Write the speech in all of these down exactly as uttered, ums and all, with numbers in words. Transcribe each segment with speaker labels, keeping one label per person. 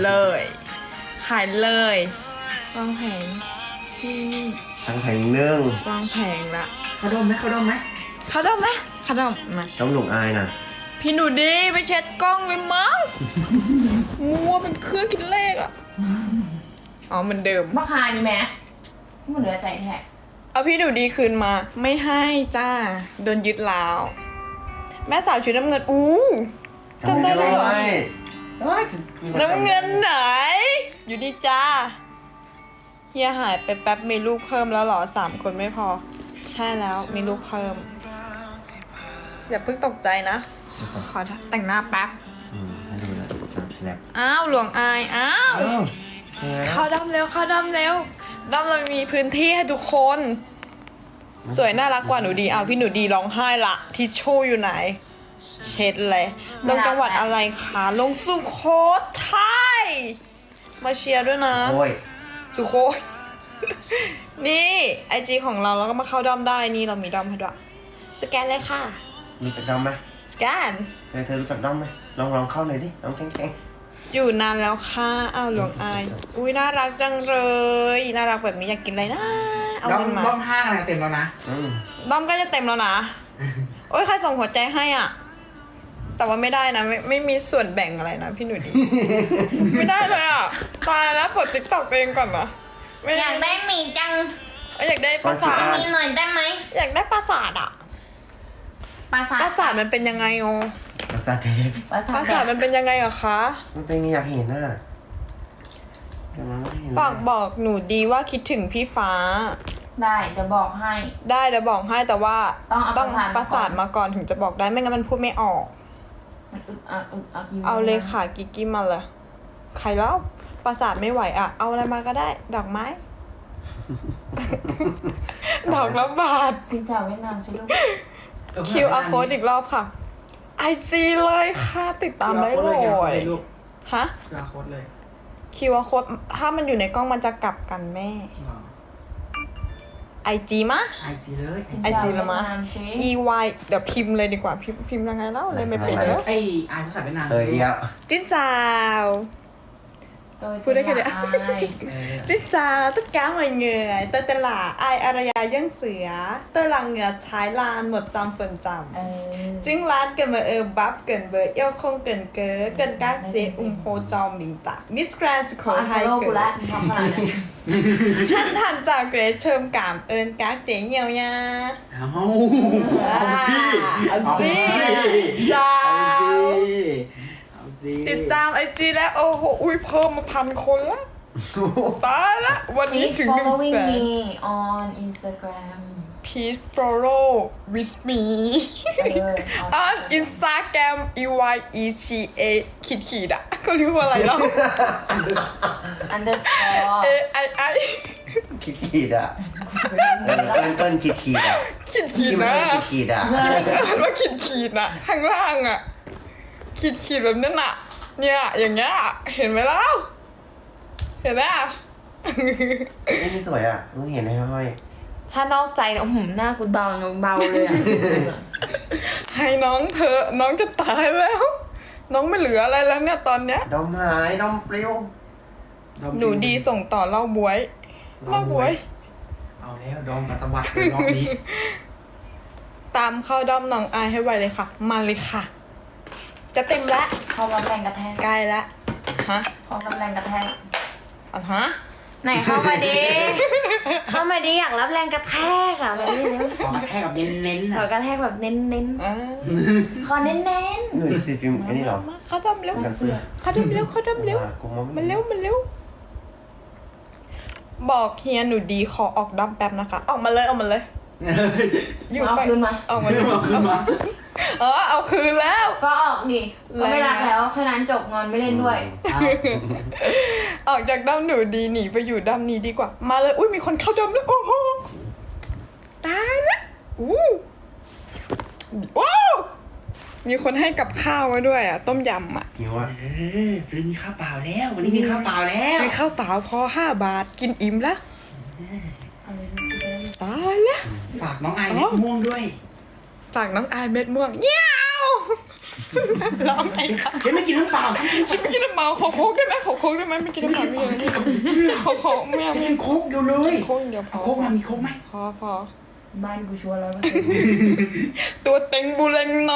Speaker 1: เลย ขายเลยวางแผงนี่
Speaker 2: ทั้งแผงเนื่อง
Speaker 1: วางแผงละ
Speaker 3: เขาดมไหมเขาดมไหม
Speaker 1: เขาดมไหมเขาดมมา
Speaker 2: ต้องหลงอายนะ
Speaker 1: พี่หนูดีไปเช็ดกล้องเลยมั้งมัวเป็นเครื่องคิดเลขอะอ๋อเหมือนเดิม
Speaker 4: ราคานี่แม่มันเหลือใจแท้
Speaker 1: เอาพี่หนูดีคืนมาไม่ให้จ้าโดนยึดแล้ว แม่สาวชุดน้ำเงินอู้จำได้เลยเหรอ น้ำเงินไหน อยู่ดีจ้าเฮียหายไปแป๊บมีลูกเพิ่มแล้วเหรอสามคนไม่พอ ใช่แล้วมีลูกเพิ่ม อย่าเพิ่งตกใจนะ ขอแต่งหน้าแป๊บ
Speaker 2: อืมให้ดูนะจับสแลป
Speaker 1: อ้าวหลวงอายอ้าว
Speaker 2: อ้าว
Speaker 1: เข้าดำเร็วเข้าดำเร็วดำเรามีพื้นที่ให้ทุกคน สวยน่ารักกว่าหนูดีอ้าวพี่หนูดีร้องไห้ละทิชชู่อยู่ไหน เช็ดเลยลงจังหวัดอะไรคะลงสุโขทัยมาเชียร์ด้วยนะ
Speaker 2: โอ้ย
Speaker 1: สุโขย นี่ไอจีของเราแล้วก็มาเข้าด้อมได้นี่เรามีด้อมให้ด้วยสแกนเลยค่ะ
Speaker 2: รู้จักด้อมไหม
Speaker 1: สแกน
Speaker 2: เธอเธอรู้จักด้อมไหมลองลองเข้าหน่อยดิลองแข็งแข็ง
Speaker 1: อยู่นานแล้วค่ะอ้าวหลวงอายอุ้ยน่ารักจังเลยน่ารักแบบนี้อยากกินอะไรนะเอา
Speaker 3: ดม
Speaker 1: เงินมา
Speaker 3: ดมห้างอะไรเต็มแล้วนะ
Speaker 2: อืม
Speaker 1: ด้อมก็จะเต็มแล้วนะ โอ้ยใครส่งหัวใจให้อ่ะ แต่ว่าไม่ได้นะไม่ไม่มีส่วนแบ่งอะไรนะพี่หนูดี ไม่ได้เลยอ่ะตายแล้วเปิดติ๊กต็อกเองก่อนนะไม่
Speaker 4: อยากได้หมีจัง
Speaker 1: อยากได้ปราสาท
Speaker 4: มีหน่อยได้ไหม
Speaker 1: อยากได้ปราสาทอ่ะ
Speaker 4: ปราสาท
Speaker 1: ปราสาทมันเป็นยังไงโอ
Speaker 2: ภาษาเทพ
Speaker 4: ปราสา
Speaker 1: ป
Speaker 4: ท
Speaker 1: ราสาทมันเป็นยังไงอะคะ
Speaker 2: มันเป็นไงอยากเห็นน่ะแต่มันไม่เห็น
Speaker 1: ฝากบอกหนูดีว่าคิดถึงพี่ฟ้า
Speaker 4: ได้เดี๋ยวบอกให้
Speaker 1: ได้เดี๋ยวบอกให้แต่ว่า
Speaker 4: ต้องเอา
Speaker 1: ปราสาทมาก่อนถึงจะบอกได้ไม่งั้นมันพูดไม่ออก
Speaker 4: มันอึกอักอึกอักอยู่
Speaker 1: เอาเลยค่ะกิกกี้มาเลยใครเล่าปราสาทไม่ไหวอ่ะ เอาอะไรมาก็ได้ ดอกไม้ ดอกละบาท
Speaker 4: สินเจ้าเวียดนามสิลูก
Speaker 1: คิวอาร์ code อีกรอบค่ะ ไอจีเลยค่ะ ติดตามได้เลย
Speaker 3: ลูก
Speaker 1: ฮะ
Speaker 3: คิวอาร์ code เลย
Speaker 1: คิวอาร์ code ถ้ามันอยู่ในกล้องมันจะกลับกันแม่ ไอจีมะ
Speaker 3: ไอจีเลย
Speaker 1: ไอจีละมะ
Speaker 4: เวียดนามสิ
Speaker 1: e y เดี๋ยวพิมพ์เลยดีกว่าพิมพ์พิมพ์ยังไงเล่าเลยไม่เป็นแล้ว
Speaker 3: ไอไอภาษาเวียดนาม
Speaker 2: เอออีกแล้ว
Speaker 1: จิ้นจาว
Speaker 4: tôi
Speaker 1: พูดได้แค่
Speaker 4: tên
Speaker 1: เนี้
Speaker 4: là
Speaker 1: ย
Speaker 4: ai
Speaker 1: จิ้นจาวtất cả mọi người tôi tên là Ai Araya Dân Sữa tôi là người Thái Lan một trăm phần trăm
Speaker 4: ừ.
Speaker 1: Chính Lan cần mở ơ bắp cần bờ yêu không cần cớ cần các sẽ ủng hộ cho mình tạ Miss Grand
Speaker 4: có
Speaker 1: School hai
Speaker 4: unfollow của
Speaker 1: cớ
Speaker 4: lát không phải là
Speaker 1: Chân thành chào quý thơm cảm ơn các chị nhiều nha
Speaker 3: เอาเอาสิ
Speaker 1: เอาสิ
Speaker 3: จ้า
Speaker 1: จ้า
Speaker 3: เอาสิ
Speaker 1: ติดตามไอจีแล้วโอ้โหอุ้ยเพิ่มมาพันคนละตายละวันนี้
Speaker 4: please
Speaker 1: ถึงหนึ่ง
Speaker 4: following
Speaker 1: แสน
Speaker 4: me on Instagram
Speaker 1: please follow with me
Speaker 4: เออ
Speaker 1: on Instagram e y e c a ขีดขีดอะเขาเรียกว่าอะไรเนาะ
Speaker 4: underscore
Speaker 1: a i i
Speaker 2: ขีดขีดอ่ะเออเกินเกินขีดขีดอ่ะ
Speaker 1: ขีดขีด
Speaker 2: ที่มัน
Speaker 1: นะ
Speaker 2: เกินขีดขีดอ่ะ
Speaker 1: อ่านว่าขีดขีดอะข้างล่างอะขีดขีดแบบนั้นอะเนี่ยอย่างเงี้ยเห็นไหมล่ะเห็นไหมอะ
Speaker 2: นี่นี่สวยอ่ะมึงเห็นไหมห้อย
Speaker 4: ถ้านอกใจนะหืมหน้ากูเบาเบาเลยอ่ะ
Speaker 1: ให้น้องเธอะน้องจะตายแล้ว น้องไม่เหลืออะไรแล้วเนี่ยตอนเนี้ย
Speaker 2: ดอมหายดอมปลิว
Speaker 1: หนูดีส่งต่อเล่าบวยเล่าบวย
Speaker 3: เอาแล้วดองกับสวัสดิ์เลยรอบนี้
Speaker 1: ตามเข้าด้อมน้องอายให้ไวเลยค่ะ มาเลยค่ะ จะเต็มแล้ว
Speaker 4: พอรับแรงกระแทก
Speaker 1: ใกล้แล้วฮะ
Speaker 4: พอรับแรงกระแทก
Speaker 1: อ่ะฮะ
Speaker 4: ไหนเข้ามาดิ เข้ามาดิอยากรับแรงกระแทกอ่ะแบบนี้เร็ว
Speaker 3: ขอกระแทกแบบเน้นๆ
Speaker 4: ขอ
Speaker 3: นะ
Speaker 4: กระแทกแบบเน้นเน้น
Speaker 1: อ่า
Speaker 4: ๆขอเน้นเน้น
Speaker 2: หนูติดฟิล์มอันนี้เหรอ
Speaker 1: มาเข้าด้อมเร็ว
Speaker 2: กันเสื้อ
Speaker 1: เข้าด้อมเร็วเข้าด้อมเร็ว
Speaker 2: กูมอง
Speaker 1: มันเร็วมันเร็ว บอกเฮียหนูดีขอออกด้อมแป๊บนะคะ ออกมาเลยออกมาเลย อยู่
Speaker 4: เอา
Speaker 1: ไป
Speaker 4: คืนมา
Speaker 1: เอามาเลย
Speaker 3: เอาขึ้นมา
Speaker 1: เออเอาคืนแล้ว
Speaker 4: ก็ออกดิก็ไม่รักแล้วแค่นั้นจบงอนไม่เล่นด้วย
Speaker 3: เอา
Speaker 1: ออกจากด้อมหนูดีหนีไปอยู่ด้อมนี้ดีกว่า มาเลย อุ้ยมีคนเข้าด้อมแล้วโอ้โหตายละอู้ว้าวมีคนให้กับข้าวมาด้วยอ่ะ ต้มยำอ่ะ
Speaker 2: หิวอ่ะ
Speaker 3: เออซื้อมีข้าวเปล่าแล้ว วันนี้มีข้าวเปล่าแล้ว
Speaker 1: ซื้อข้าวเปล่าพอห้าบาทกินอิ่มละ
Speaker 4: เอาเลยลูกเล่น
Speaker 1: ตายละ
Speaker 3: ฝากน้องไอเม็ดม่วงด้วย
Speaker 1: ฝากน้องอายเม็ดม่วงเงี้ยวร้องไงคะ
Speaker 3: ฉันไม่กินน้ำเปล่าฉันกิน
Speaker 1: ฉันไม่กินน้ำเมาขอโค้กได้ไหมขอโค้กได้ไหมไม่กินน้ำเปล่าไม่กินขอโค้กไม่เอา
Speaker 3: ฉัน
Speaker 1: ไม่
Speaker 3: กินโค้กอยู่เลย
Speaker 1: โค้กอย่างเดียวพอ
Speaker 3: เอาโค้กมามีโค้กไหม
Speaker 1: พอพอ
Speaker 4: บ้านกูชัวร์ร้อยเปอร์เซ็นต์
Speaker 1: ตัวเต็งบูเลงน้อง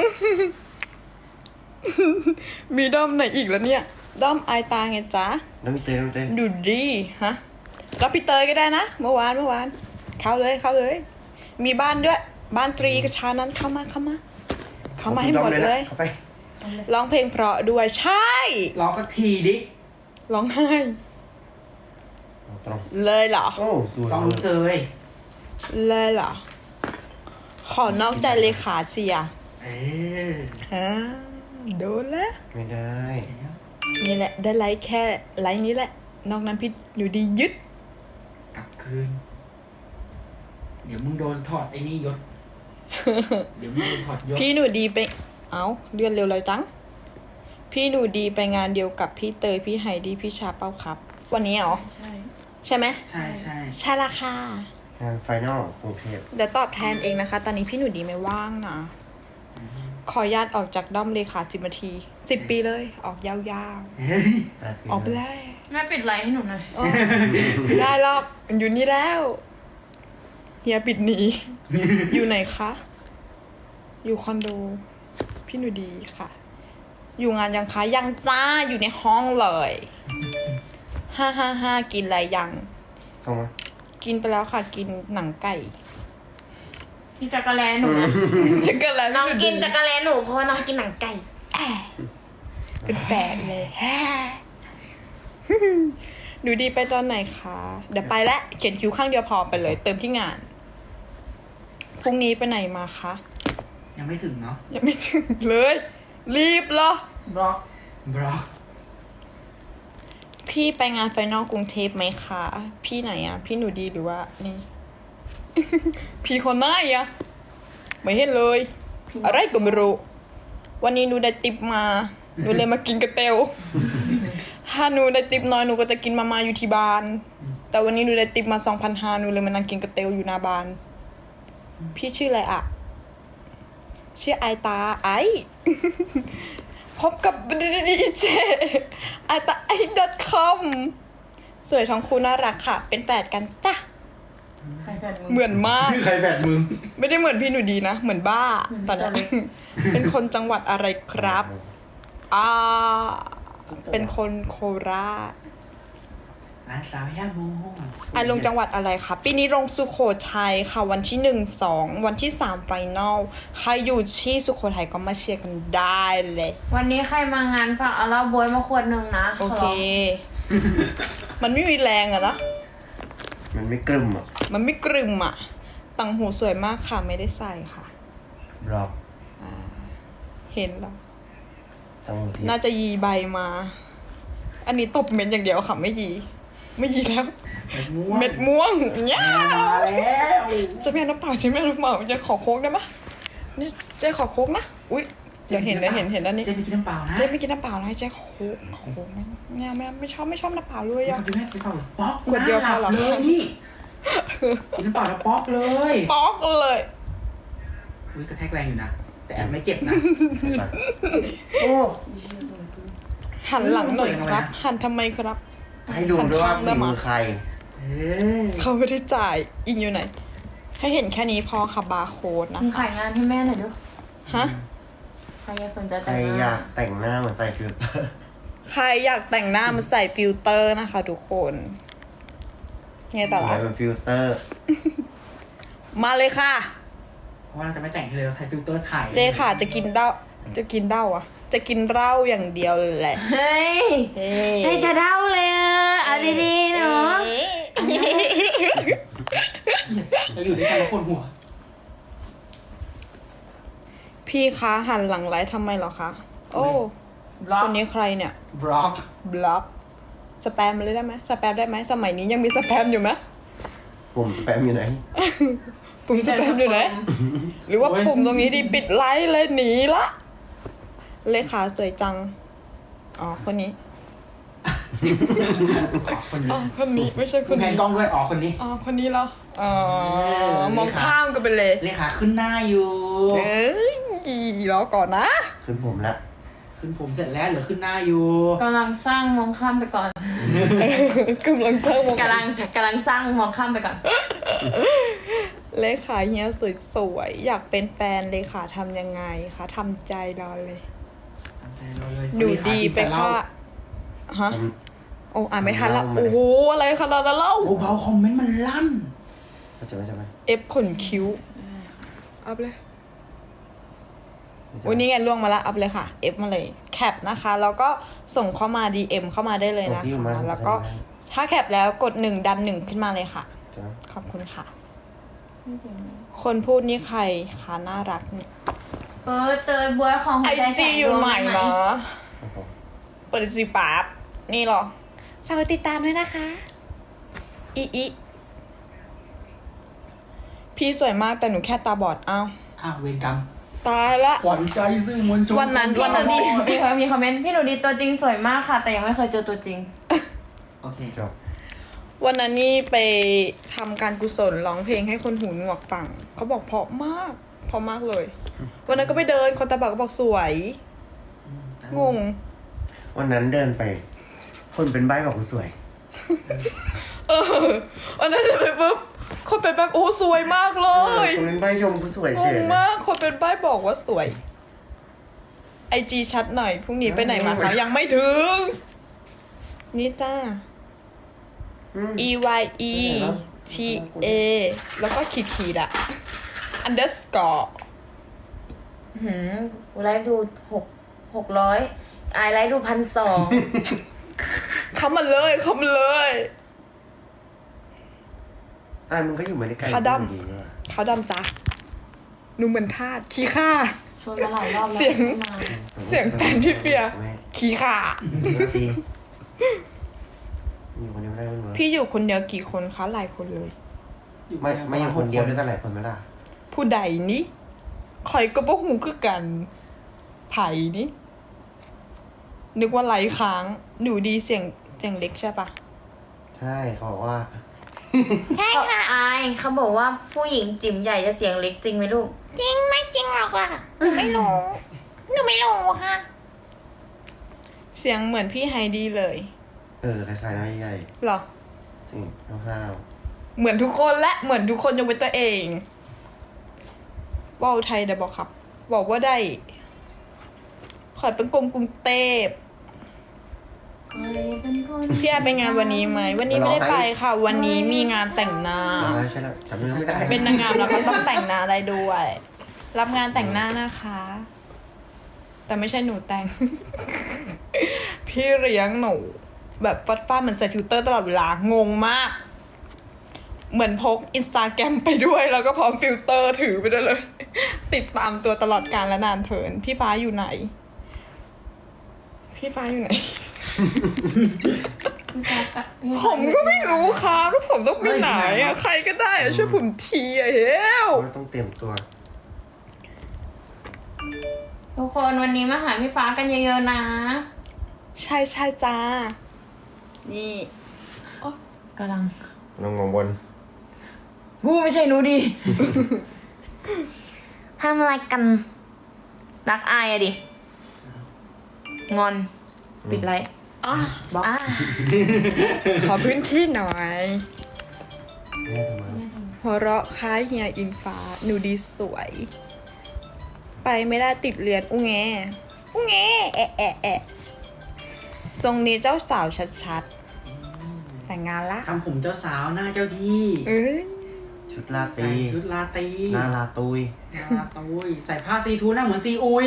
Speaker 1: มีด้อมไหนอีกแล้วเนี่ย ด้อมไอายตาไงจ๊ะ
Speaker 2: น้ำมีเตยน้ำมีเตย
Speaker 1: ดูดีฮะรับพี่เตยก็ได้นะ เมื่อวานเมื่อวาน เข้าเลยเข้าเลย มีบ้านด้วย บ้านตรีกับชานั้นเข้ามาเข้ามา เข้ามาให้หมดเลย
Speaker 2: เข้าไป
Speaker 1: ร้องเพลงเพราะด้วยใช่
Speaker 3: รอสักทีดิ
Speaker 1: ร้องไห้
Speaker 2: เอาตรง
Speaker 1: เลยเหรอ
Speaker 2: โอ้สวย
Speaker 3: ซองเซย
Speaker 1: เลยเหรอ ขอนอกใจเลขาเสีย
Speaker 3: เออ
Speaker 1: ฮะโดนแล้ว
Speaker 2: ไม่ได้
Speaker 1: นี่แหละ ได้ไลค์แค่ไลค์นี้แหละ นอกนั้นพี่หนูดียึด
Speaker 3: กลับคืน เดี๋ยวมึงโดนถอดไอ้นี่ยศ เดี๋ยวมึงโดนถอดยศ
Speaker 1: พี่หนูดีไป เอาเลื่อนเร็วเลยจัง พี่หนูดีไปงานเดียวกับพี่เตยพี่ไฮดี้พี่ชาเป้าครับ วันนี้เหรอ
Speaker 4: ใช่
Speaker 1: ใช่ไหม
Speaker 3: ใช่ใช่
Speaker 1: ใช่ละค่ะ
Speaker 2: งานไฟนอลกรุงเทพ
Speaker 1: เดี๋ยวตอบแทนเองนะคะ ตอนนี้พี่หนูดีไม่ว่างนะ ขออนุญาตออกจากด้อมเลขาสิบนาทีสิบปีเลย ออกยาว
Speaker 3: เฮ้ย
Speaker 1: ๆ ออกไปเลย
Speaker 4: แม่ปิดไลน์ให้หนูหน่อย
Speaker 1: อ๋อไม่ได้หรอกมันอยู่นี่แล้วเฮียปิดหนี อยู่ไหนคะ อยู่คอนโด พี่หนูดีค่ะ อยู่งานยังคะยังจ้าอยู่ในห้องเลยห้าห้าห้ากินอะไรยัง
Speaker 2: เข้ามา
Speaker 1: กินไปแล้วค่ะ กินหนังไก่
Speaker 4: พี่จักรแลหนูนะ
Speaker 1: จะกันแล้ว
Speaker 4: น้องกินจักรแลหนูเพราะว่าน้องกินหนังไก่
Speaker 1: แอะเป็นแปลกเลยแฮะหนูดีไปตอนไหนคะ เดี๋ยวไปแล้วเขียนคิวข้างเดียวพอไปเลย เติมที่งาน พรุ่งนี้ไปไหนมาคะ
Speaker 3: ยังไม่ถึงเนาะ
Speaker 1: ยังไม่ถึงเลย รีบเหรอ
Speaker 4: บล็อก
Speaker 3: บล็อก
Speaker 1: พี่ไปงานไฟนอลกรุงเทพไหมคะ พี่ไหนอะพี่หนูดีหรือว่า นี่ พี่คนไหนอะไม่เห็นเลย อะไรก็ไม่รู้ วันนี้หนูได้ติปมา หนูเลยมากินกระเตวถ้าหนูได้ติปน้อยหนูก็จะกินมามาอยู่ที่บ้าน แต่วันนี้หนูได้ติปมาสองพันห้าหนูเลยมานั่งกินกระเตวอยู่หน้าบ้าน พี่ชื่ออะไรอะชื่อไอตาไอ พบกับดีเจไอตาไอ .com สวยทั้งคู่น่ารักค่ะ เป็นแฝดกันจ้ะ
Speaker 4: ใครแฟนมึง
Speaker 1: เหมือนมาก
Speaker 3: ใครแบดมึง
Speaker 1: ไม่ได้เหมือนพี่หนูดีนะ เหมือนบ้า
Speaker 4: เหมือน
Speaker 1: ตอนนี้
Speaker 4: ตอนนี้
Speaker 1: เป็นคนจังหวัดอะไรครับ อ่า เป็นคนโคราช
Speaker 3: ร้านสาวย่าโม
Speaker 1: อ่ะลงจังหวัดอะไรคะปีนี้ลงสุโขทัยค่ะ วันที่หนึ่งสองวันที่สามไฟนอลใครอยู่ที่สุโขทัยก็มาเชียร์กันได้เลย
Speaker 4: วันนี้ใครมางานฝากเอาเหล้าบวยมาขวดหนึ่งนะ
Speaker 1: โอเค
Speaker 4: ขร้ง
Speaker 1: มันไม่มีแรงอะนะ
Speaker 2: มันไม่กลึมอ่ะ
Speaker 1: มันไม่กรึมอะต่างหูสวยมากค่ะ ไม่ได้ใส่ค่ะ
Speaker 2: บล็อก
Speaker 1: เห็นแล้ว
Speaker 2: ตั้งที่
Speaker 1: น่าจะยีใบมา อันนี้ตบเม็ดอย่างเดียวค่ะ ไม่ยี ไม่ยีแล้ว
Speaker 3: เม็ดม่วง
Speaker 1: เม็ดม่วงเนี่ย
Speaker 3: มาแล้ว
Speaker 1: จะไม่เอาน้ำเปล่าจะไม่เอาน้ำเปล่าจะขอโค้กได้ไหมนี่เจ๊ขอโค้กนะ อุ้ยเดี๋ยวเห็นเดี๋ยวเห็นเห็นด้านนี้
Speaker 3: เจ๊ไปกินน้ำเปล่านะ
Speaker 1: เจ๊ไม่กินน้ำเปล่านะเจ๊ขอโค้กขอโค้กไม่ไม่เอาไม่เอาไม่ชอบไม่ชอบน้ำเปล่าเลย
Speaker 3: ไม่
Speaker 1: อะ
Speaker 3: ต้องกินแม่กินเปล่าป๊อก
Speaker 1: ขวดเดียวพอเหรอ
Speaker 3: น้าหลับเลยนี่กินน้ำเปล่าแล้วป๊อกเลย
Speaker 1: ป๊อกเลย
Speaker 3: อุ้ยกระแทกแรงอยู่นะ แต่แอบไม่เจ็บนะ
Speaker 2: โอ้
Speaker 1: หันหลังหน่อย
Speaker 3: สวยจัง
Speaker 1: ค
Speaker 3: เลย
Speaker 1: รับ
Speaker 3: นะ
Speaker 1: หันทำไมครับ
Speaker 2: ให้ดูด้วยว่า
Speaker 1: หันข้างได้
Speaker 2: ฝี
Speaker 1: ไหม
Speaker 2: มือใคร
Speaker 3: เอ้ย
Speaker 1: เขาไม่ได้จ่ายอิงอยู่ไหน ให้เห็นแค่นี้พอค่ะบาร์โค้ดนะ
Speaker 4: มึงขายงานให้แม่หน่อยดู
Speaker 1: ฮะ
Speaker 4: ใครอยากสนใจ
Speaker 2: ใคร
Speaker 4: แต่ง
Speaker 2: อยาง
Speaker 4: าก น
Speaker 2: แต่งหน้าเหมือนใส่ฟิลเตอร์
Speaker 1: ใครอยากแต่งหน้ามาใส่ฟิลเตอร์นะคะทุกคนไงต่อ
Speaker 2: ใส่
Speaker 1: ละ
Speaker 2: เป็นฟิลเตอร์
Speaker 1: มาเลยค่ะ
Speaker 3: เพราะว่าเราจะไม่แต่งให้เลยเราใส่ฟิลเตอร์ถ่าย
Speaker 1: เลขาจะกินเหล้าจะกินเหล้าอ่ะ จะกินเหล้าอย่างเดียวแหละ
Speaker 4: เฮ้ย
Speaker 1: เฮ้
Speaker 4: ให้จะเด้าเลยอะเอาดีๆเนาะ
Speaker 3: เราอยู่ด้วยกันแล้วปวดหัว
Speaker 1: พี่คะหันหลังไลฟ์ทำไมเหรอคะ โอ้
Speaker 4: บล็อ
Speaker 1: ค
Speaker 4: ก
Speaker 1: นนี้ใครเนี่ย
Speaker 3: บล็อก
Speaker 1: บล็อกสแปมมาเลยได้ไหมสแปมได้ไหมสมัยนี้ยังมีสแปมอยู่ไหม
Speaker 2: ปุ่มสแปมอยู่ไหน
Speaker 1: ปุ่มสแปมอยู่ไหน หรือว่าปุ่มตรงนี้ดีปิดไลฟ์เลยหนีละเลขาสวยจัง อ๋อ คนนี้
Speaker 3: อ๋อคนนี้
Speaker 1: อ๋อ คนนี้ไม่ใช่ค
Speaker 3: คุณ
Speaker 1: น
Speaker 3: แพน
Speaker 1: นี้
Speaker 3: กล้องด้วยอ๋อคนนี้
Speaker 1: อ๋อ คนนี้เหรอ อ๋อ
Speaker 3: เออ
Speaker 1: มองข้ามกันไปเลย
Speaker 3: เลขาขึ้นหน้าอยู่
Speaker 1: เอ้ยรอก่อนนะ
Speaker 3: ข
Speaker 2: ขึ้นผมละ
Speaker 3: ขึ้นผมเสร็จแล้วเหลือขึ้นหน้าอยู่
Speaker 4: กำลังสร้างมองข้ามไปก่อน
Speaker 1: กำลังเจ้ามอง
Speaker 4: กำลังกำลังสร้างมองข้ามไปก่อน
Speaker 1: เลขาเฮียสวยๆอยากเป็นแฟนเลขาทำยังไงคะทำใจรอเลย
Speaker 3: ทำใจเราเลย
Speaker 1: หนูดีไปค่ะฮะโอ้อ่านไม่ทันละโอ้โหอะไรขนาดนั้นเล่า
Speaker 3: โอ้เบาคอมเมนต์มันลั่น
Speaker 2: เข้าใจไหมใช่ไหม
Speaker 1: เอฟขนคิ้วอัพเลยวันนี้ไงล่วงมาละอัพเลยค่ะเอฟมาเลยแคปนะคะ แล้วก็ส่งเข้ามา ดี เอ็ม เข้ามาได้เลยนะคะแล้วก็ถ้าแคปแล้วกดหนึ่งดันหนึ่งขึ้นมาเลยค่ะ
Speaker 2: ใช่ไหม
Speaker 1: ขอบคุณค่ะ คนพูดนี่ใครคะน่ารักเนี่ย
Speaker 4: เออเตยบัวของหั
Speaker 1: ไอ
Speaker 4: วใจแส
Speaker 1: ซี
Speaker 4: ง
Speaker 1: อยู่
Speaker 4: ดวง
Speaker 1: ใหม่
Speaker 4: ได้ไหม
Speaker 1: เนาะ
Speaker 2: ครับผม
Speaker 1: เปิดซีป๊าบนี่เหรอฝากไปติดตามด้วยนะคะอีอีพี่สวยมากแต่หนูแค่ตาบอดอ้าว
Speaker 3: อ้าวเวรกรรม
Speaker 1: ตายละ
Speaker 3: ขวัญใจสื่อมวลชน
Speaker 1: วันนั้น
Speaker 4: พี่หนูดีมีคนมีคอมเมนต์พี่หนูดีตัวจริงสวยมากค่ะ แต่ยังไม่เคยเจอตัวจริง
Speaker 3: โอเค
Speaker 2: จบ
Speaker 1: วันนั้นนี่ไปทำการกุศลร้องเพลงให้คนหูหนวกฟังเขาบอกเพราะมากเพราะมากเลย วันนั้นก็ไปเดินคนตาบอดก็บอกสวย งง
Speaker 2: วันนั้นเดินไป คนเป็นใบ้บอกกูสวย
Speaker 1: เออวันนั้นเดินไปปุ๊บคนเป็นแบบโอ้สวยมากเล
Speaker 2: เออย คนเป็นใบ้ชมกูสวย
Speaker 1: ง
Speaker 2: เฉ
Speaker 1: ง
Speaker 2: ย
Speaker 1: มากคนเป็นใบ้บอกว่าสวยไอจีชัดหน่อยพรุ่งนี้ไปไหนมาคะยังไม่ถึง นี่จ้า
Speaker 2: อืม
Speaker 1: e y e t a แล้วก็ขีดขีดๆอะ underscore
Speaker 4: หืมกูไลฟ์ดูหกหกร้อยไอไลฟ์ดูพันสอง
Speaker 1: เข้ามาเลยเข้ามาเลย
Speaker 2: อ่ะมึงก็อยู่มาในไกล
Speaker 1: ขาดำ
Speaker 2: ดีด้วย
Speaker 1: เขาดำจ้ะหนูเหมือนทาสขี้ข้า
Speaker 4: ชวนมาหลายรอบแล้ว
Speaker 1: เสียง
Speaker 4: ไม่มา
Speaker 1: เสียงแฟนพี่เปีย
Speaker 2: แม่
Speaker 1: ขี้ข้า
Speaker 2: ดีอยู่คนเดียวไม่ได้มันเหรอ
Speaker 1: พี่อยู่คนเดียวกี่คนคะหลายคนเลย
Speaker 2: ไม่ไม่อยู่คนเดียวด้วยกันหลายคนไหมล่ะ
Speaker 1: ผู้ใดนี่คอยก็บ่หูคือกันไผ่นี่นึกว่าไหลค้าง หนูดีเสียงเสียงเล็กใช่ปะ
Speaker 2: ใช่เขาบอกว่า
Speaker 4: ใช่ค่ะไอเขาบอกว่าผู้หญิงจิ๋มใหญ่จะเสียงเล็กจริงไหมลูก จริงไม่จริงหรอกอ่ะไม่รู้หนูไม่รู้ค่ะ
Speaker 1: เสียงเหมือนพี่ไฮดีเลย
Speaker 2: เออคล้ายๆน้ำใหญ่
Speaker 1: เหรอ
Speaker 2: ๆสิ่งห้าว
Speaker 1: เหมือนทุกคนและเหมือนทุกคนยกเว้นตัวเองว่าวไทยได้บอกครับ บอกว่าได้ ขอยเป็นกรุงกรุงเทพพี่แอร์ไปงานวันนี้ไหมวันนี้ไม่ได้ไปค่ะ วันนี้มีงานแต่งหน้า
Speaker 2: ๆมาใช่แล้วจำเนื้อไม่ได้
Speaker 1: เป็นนางงามแล้วก็ต้องแต่งหน้าได้ด้วย รับงานแต่งหน้านะคะ แต่ไม่ใช่หนูแต่ง พี่เลี้ยงหนู แบบฟัดฟ้าดเหมือนใส่ฟิลเตอร์ตลอดเวลางงมาก เหมือนพกอินสตาแกรมไปด้วย แล้วก็พร้อมฟิลเตอร์ถือไปด้วยเลย ติดตามตัวตลอดกาลและนานเทินพี่ฟ้าอยู่ไหน พี่ฟ้าอยู่ไหน ผมก็ไม่รู้ครับว่าผมต้องไปไหนอะใครก็ได้อะช่วยผมทีอะเฮล
Speaker 2: ว่าต้องเตรียมตัว
Speaker 4: ทุกคนวันนี้มาหาพี่ฟ้ากันเยอะๆนะ
Speaker 1: ใช่ใช่จ้า นี่
Speaker 4: กำลัง
Speaker 2: ลองงงบน
Speaker 4: กูไม่ใช่หนูดี ทำอะไรกัน รักอายอะดิ งอน ปิดไลท์
Speaker 1: อ่ะ
Speaker 4: บล็อก
Speaker 1: ขอพื้นที่หน่อย
Speaker 2: แม่ทำไม
Speaker 1: หัวเราะคล้ายเฮียอิงฟ้า หนูดีสวย ไปไม่ได้ติดเรียนอุ้งแงอุ้งแงแอะแอะแอะทรงนี้เจ้าสาวชัดๆ แต่งงานละ
Speaker 3: ทำผมเจ้าสาวหน้าเจ้าที่
Speaker 1: เอ้ย
Speaker 2: ชุดลา
Speaker 3: ใส่
Speaker 2: ตี
Speaker 3: ชุดลาตรี
Speaker 2: หน้าลาตุย
Speaker 3: หน้าลาตุยใส่ผ้าซีทูหน้าเหมือนซีอุย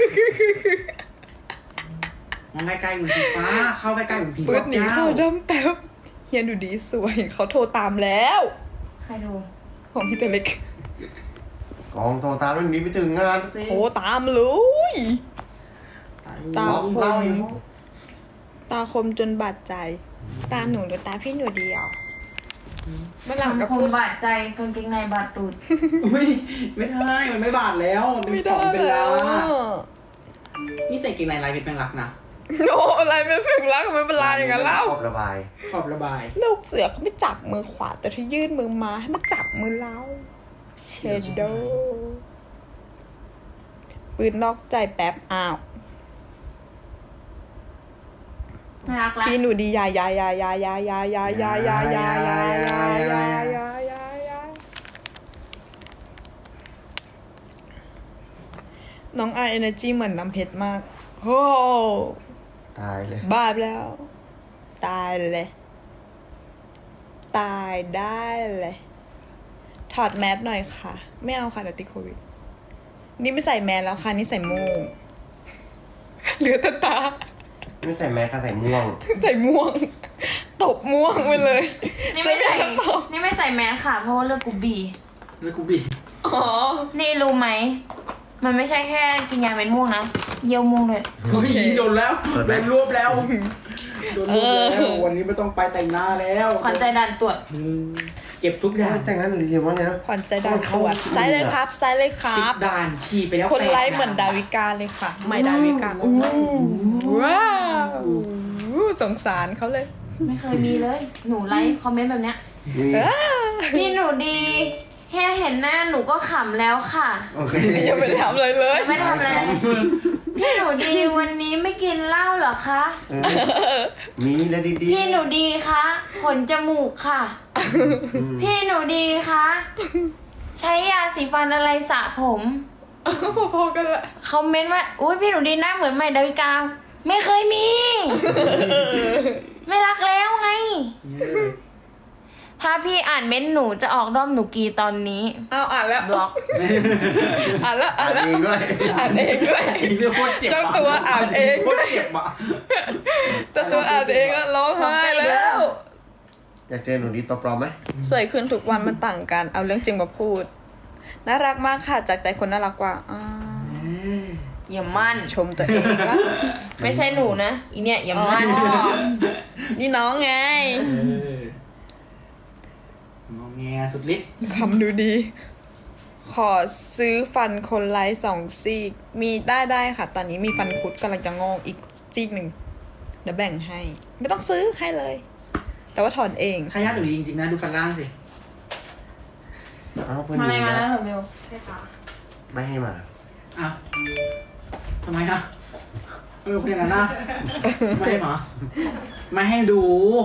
Speaker 3: มองใกล้ๆเหมือนผีฟ้า เข้าใกล้ๆเหมือนผี
Speaker 1: ปื
Speaker 3: พ
Speaker 1: ด
Speaker 3: วก
Speaker 1: หนี
Speaker 3: เจ้า
Speaker 1: เข้าดำแป๊บเฮียดูดีสวย เขาโทรตามแล้ว
Speaker 4: ใครดู
Speaker 1: ของพี่ตัวเล็ก
Speaker 2: กองโตตามเรื่องนี้ไปถึงงานสักที
Speaker 1: โทรตามเลย ตาค
Speaker 2: เล่าม อยู่
Speaker 1: ตาคมจนบาดใจ ตาหนูหรือตาพี่หนูเดียวเมื่อหลังก็
Speaker 4: สังค
Speaker 1: พู
Speaker 4: ม
Speaker 1: ด
Speaker 4: บาดใจกางเกงในบาดตูด
Speaker 3: อุ้ยไม่ได้ มันไม่บาดแล้วมัน
Speaker 1: ไม่
Speaker 3: เป็นข
Speaker 1: ได้
Speaker 3: องเป็น
Speaker 1: แล้
Speaker 3: ลาว นี่ใส่เกงในลายเป็นแมงลักนะ
Speaker 1: โนอะไรไม่ถึงรักมันเป็นลายอย่างนั้นเล่า
Speaker 2: ขอบระบาย
Speaker 3: ขอบระบาย
Speaker 1: ลูกเสือเขาไม่จับมือขวาแต่ถ้ายื่นมือมาให้มันจับมือเราเชดโดปืนนอกใจแป๊บอ้าว
Speaker 4: น่ารักละ
Speaker 1: พี่หนูดียายายายายายายายายายายายายายายาน้องไอเอเนอร์จีเหมือนน้ำเพชรมากโอ้
Speaker 2: ตายเลย
Speaker 1: บ้าไปแล้ว ตายเลย ตายได้เลย ถอดแมสหน่อยค่ะ ไม่เอาค่ะเดี๋ยวติดโควิด นี่ไม่ใส่แมสแล้วค่ะ นี่ใส่โม่งเหลือแต่ตา
Speaker 2: ไม่ใส่แมสค่ะใส่ม่วง
Speaker 1: ใส่ม่วง ตบม่วงไปเลย
Speaker 4: นี่ไม่ใส่
Speaker 1: จะเป็นกระเป๋า
Speaker 4: นี่ไม่ใส่แมสค่ะ เพราะว่าเลือกกูบี
Speaker 3: แล้วกูบี
Speaker 1: อ๋อ
Speaker 4: นี่รู้ไหม มันไม่ใช่แค่กินยาเม็ดม่วงนะ เยี่ยวม่วงเลย
Speaker 3: เฮ้ยโดนแล้ว
Speaker 2: เปิดไหม
Speaker 3: โดนรวบแล้วโดนรวบแล้ววันนี้ไม่ต้องไปแต่งหน้าแล้ว
Speaker 4: ขวัญใจดันตรวจ
Speaker 3: อืมเก็บทุกด่าน
Speaker 2: แต่งงานหนูเรียนว่าไงนะ
Speaker 1: ขวัญใจดาวตรวจใส่เลยครับใส่เลยค
Speaker 3: สิ
Speaker 1: รั
Speaker 3: บบ ด่านฉีดไปแล้ว
Speaker 1: คนไลค์
Speaker 3: แป
Speaker 1: เหมือนดาวิกาเลยค่ะ ใหม่ดาวิกาอู้ว้าวอู้สงสารเขาเลย
Speaker 4: ไม่เคยมีเลย หนูไลค์คอมเมนต์แบบเนี้ย
Speaker 2: นี่
Speaker 4: พี่หนูดีแค่เห็นหน้าหนูก็ขำแล้วค่ะ
Speaker 2: โอเค
Speaker 1: ยังไม่ได้ทำอะไรเลย
Speaker 4: ไม่ทำอะไรเลยพี่หนูดีวันนี้ไม่กินเหล้าเหรอคะ
Speaker 2: เออมีแล้วดีๆ
Speaker 4: พี่หนูดีคะขนจมูกค่ะ
Speaker 2: อืม
Speaker 4: พี่หนูดีคะใช้ยาสีฟันอะไรสระผม
Speaker 1: พอๆกันละ
Speaker 4: คอมเมนต์ว่าอุ้ยพี่หนูดีหน้าเหมือนใหม่ดาวิกา ไม่เคยมี ไม่รักแล้วไง ถ้าพี่อ่านเม้นต์หนูจะออกด้อมหนูกีตอนนี้
Speaker 1: เอาอ่านแล้ว
Speaker 4: บล็อก
Speaker 1: อ่านแล้วอ่า
Speaker 2: อ่าน น
Speaker 1: แล้ว
Speaker 2: เองด้วย
Speaker 1: อ่านเองด้วย
Speaker 3: อีกเรื่องโคตรเจ็บ
Speaker 1: เจ้าตัวอ่านเอง
Speaker 3: โคตรเจ็บอ่ะ
Speaker 1: แต่ตัวอ่านเองแล้วร้องไห้แล้ว
Speaker 2: อยากเจอหนูดีตัวปลอมไหม
Speaker 1: สวยขึ้นทุกวันมันต่างกัน เอาเรื่องจริงมาพูด น่ารักมากค่ะ จากใจคนน่ารักกว่าอ่า
Speaker 4: อย่ามั่น
Speaker 1: ชมตัวเองละ
Speaker 4: ไม่ใช่หนูนะ อีเนี่ยอย่ามั่น
Speaker 1: อ๋อ นี่น้องไง
Speaker 3: เอองอแงสุดฤทธิ์
Speaker 1: คำดูดี ขอซื้อฟันคนไร้สองซีก มีได้ได้ค่ะ ตอนนี้มีฟันคุดกำลังจะงอกอีกซีกหนึ่งเดี๋ยวแบ่งให้ ไม่ต้องซื้อให้เลย แต่ว่าถอนเอง
Speaker 3: ถ้าญาติหนูดีจริงๆนะดูฟันล่างสิ
Speaker 2: เอาเพื่อน
Speaker 4: มา
Speaker 2: ห
Speaker 4: อะไร
Speaker 2: นู
Speaker 4: มาแล้ว
Speaker 2: นะ
Speaker 4: เหรอเบล
Speaker 2: ไม่ให้มา
Speaker 3: อ้าวทำไมอ่ะไม่เป็นคนอย่างนั้นนะไม่ให้หมอไม่ให้ดู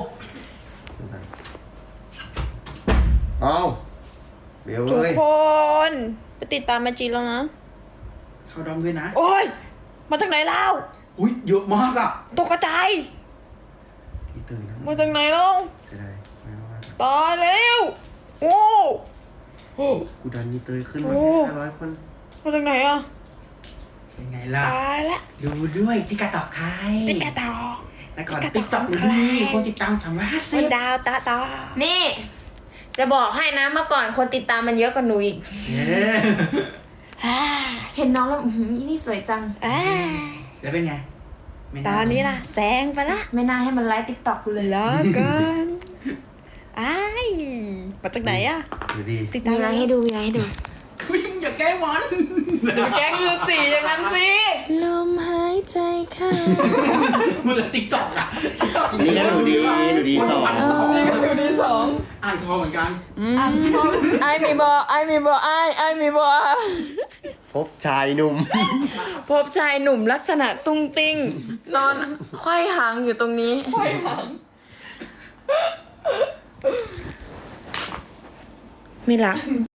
Speaker 2: เอาเบล
Speaker 1: ทุก
Speaker 2: เอ้ย
Speaker 1: คน ไปติดตามมาจีแล้วนะ
Speaker 3: เข้าดอมด้วยนะ
Speaker 1: โอ้ย มาจากไหนเล่า
Speaker 3: อุ้ยเยอะมากอ่ะ
Speaker 1: ตกกระจาย
Speaker 2: พี่ตื่นนะ
Speaker 1: มาจากไหนเล่า
Speaker 2: จะได้ไม่ว่า
Speaker 1: ตายแล้วโอ้โห
Speaker 2: กูดันนี่เตยขึ้นมา
Speaker 1: โอ้
Speaker 2: ห้าร้อยคน
Speaker 1: มาจากไหนอ่ะ
Speaker 3: เป็นไงล่ะ
Speaker 1: ตายละ
Speaker 3: ดูด้วยจิกาตอกใคร
Speaker 1: ติ๊กกระตอก
Speaker 3: แต่ก่อน
Speaker 1: จิกาตอก
Speaker 3: ติ๊กต็อก
Speaker 1: ของใคร
Speaker 3: ดีคนติดตามสามร้อยห้าสิ
Speaker 1: มั
Speaker 3: บ
Speaker 1: นดาวตาตา
Speaker 4: นี่ จะบอกให้นะเมื่อก่อนคนติดตามมันเยอะกว่าหนูอีก
Speaker 3: เย้
Speaker 1: อ่า
Speaker 4: เห็นน้องแล้วอื้อหืออีนี่สวยจัง
Speaker 1: อ่า
Speaker 3: แล้วเป็นไงไม่
Speaker 1: ตอนนี้ล่ะแซงไปละ
Speaker 4: ไม่น่าให้มันไลฟ์ติ๊กต็อกกูเลย
Speaker 1: แล้วกันอ้ายมาจากไหนอ่ะ
Speaker 2: ดูดี
Speaker 1: ติดตาม
Speaker 4: มีอะไรให้ดูมีอะไรให้ดู
Speaker 3: อุ้ยมึงอย่าแกล้งมัน
Speaker 1: อย่าแกล้งลือสีอย่างนั้นสิ
Speaker 4: ลมหายใจเข้า
Speaker 3: มึงละติ๊กต็อกอะติ๊กต็อก
Speaker 2: นี่ก็หนูดีหนูดีสอง
Speaker 1: อยู่ดีสอง
Speaker 3: อ่านคอเหมือนกัน
Speaker 1: ไอมีบอไอมีบอไอไอมีบอ
Speaker 2: พบชายหนุ่ม
Speaker 4: พบชายหนุ่มลักษณะตุ้งติ้ง นอนไขว้หางอยู่ตรงนี้
Speaker 1: ค่อยหัง
Speaker 4: ไม่รัก